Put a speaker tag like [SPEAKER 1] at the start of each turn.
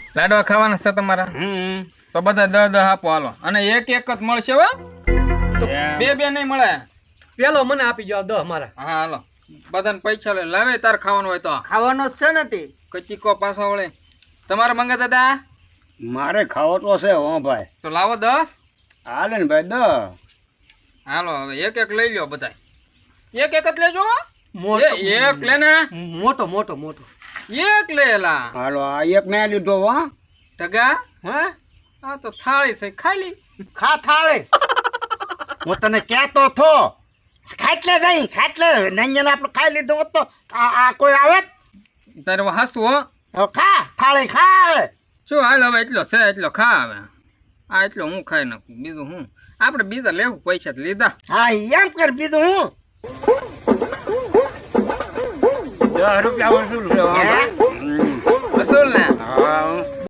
[SPEAKER 1] લાડવા ખાવાના છે તમારા? તો બધા 10 આપો હાલો. અને એક જ મળશે હો,
[SPEAKER 2] તો
[SPEAKER 1] બે નહીં મળે.
[SPEAKER 2] પેલો મને આપી જાવ 10 મારા.
[SPEAKER 1] હા હાલો, બધાને પૈસા લે. લાવે તાર ખાવાનું હોય તો
[SPEAKER 3] ખાવાનો છે નથી.
[SPEAKER 1] કચીકો પાછો વળે. તમારે મંગા દાદા?
[SPEAKER 4] મારે ખાવો તો છે હો ભાઈ.
[SPEAKER 1] તો લાવો 10.
[SPEAKER 4] હાલે ને ભાઈ 10.
[SPEAKER 1] હાલો હવે એક લઈ લ્યો બધા. એક જ લેજો.
[SPEAKER 2] મોટો
[SPEAKER 1] એક લે ને.
[SPEAKER 2] મોટો મોટો મોટો
[SPEAKER 1] એક લે લા.
[SPEAKER 4] હાલો આ એક મેં લીધો હો.
[SPEAKER 1] ટગા
[SPEAKER 2] હે
[SPEAKER 1] આ તો થાળી છે, ખાલી.
[SPEAKER 5] ખા થાળે હું તને કહેતો થો ખાટલે નહીં ખાટલે નંજન આપણે ખાઈ લીધું હોત તો આ કોઈ આવે
[SPEAKER 1] તારે હાસું હો.
[SPEAKER 5] હવે ખા થાળી ખા હવે.
[SPEAKER 1] શું હાલ હવે એટલો છે એટલો ખા હવે. આ એટલો હું ખાઈ નાખું, બીજું હું. આપણે બીજા લેવું, પૈસા તો લીધા.
[SPEAKER 5] હા એમ કર બીજું હું
[SPEAKER 4] 10 રૂપિયા વસૂલ છે હો ભાઈ.
[SPEAKER 1] વસૂલ ને.
[SPEAKER 4] હા